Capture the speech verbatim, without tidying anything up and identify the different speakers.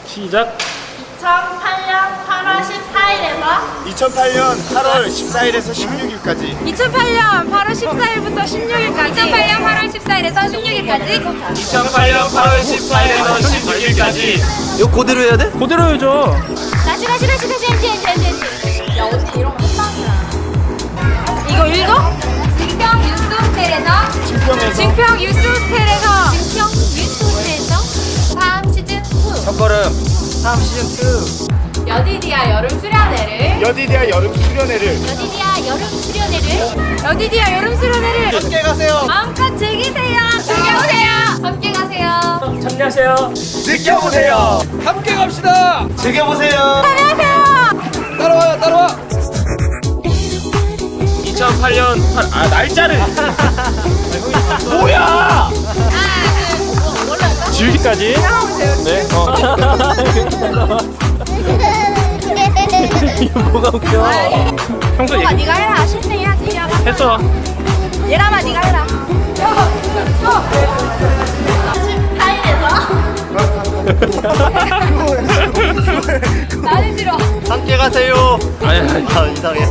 Speaker 1: 시작.
Speaker 2: 이천팔 년 팔월 십사일에서
Speaker 3: 이천팔 년 팔월 십사일에서 십육일까지.
Speaker 2: 이천팔 년 팔월 십사일부터 십육일까지 이천팔 년 팔월 십사일에서 십육일까지
Speaker 1: 이천팔 년 팔월 십사일에서 십육일까지.
Speaker 4: 이거 그대로 해야 돼?
Speaker 1: 그대로 해줘.
Speaker 2: 다시 다시 다시 다시 다시 다시 다시 야 언니 이런 거 한방이야. 이거 읽어? 증평 유스 호텔에서
Speaker 3: 증평에서
Speaker 2: 증평 유스 호텔에서 증평 유스 호텔에서 다음 시즌 투
Speaker 4: 첫걸음 삼 시즌 투.
Speaker 2: 여디디아 여름 수련회를
Speaker 3: 여디디아 여름 수련회를
Speaker 2: 여디디아 여름 수련회를 여디디아 여름 수련회를
Speaker 3: 함께 가세요.
Speaker 2: 마음껏 즐기세요. 즐겨보세요. 함께 가세요.
Speaker 1: 참여하세요.
Speaker 3: 느껴보세요.
Speaker 4: 함께 갑시다.
Speaker 3: 즐겨보세요.
Speaker 2: 안녕하세요.
Speaker 4: 따라와요, 따라와.
Speaker 1: 이천팔 년 팔, 아 날짜를. 뭐야?
Speaker 2: 아, 그, 뭐, 몰라요?
Speaker 1: 지우기까지. 네. 어. 이거 뭐가 웃겨? 평소
Speaker 2: 얘가
Speaker 1: 얘기
Speaker 2: 네가 해라. 신생해야지. 야,
Speaker 1: 했어.
Speaker 2: 얘라마 네가 해라. 십사일에서 나는 싫어.
Speaker 3: 함께 가세요.
Speaker 1: 아니 아니.
Speaker 3: 아 이상해.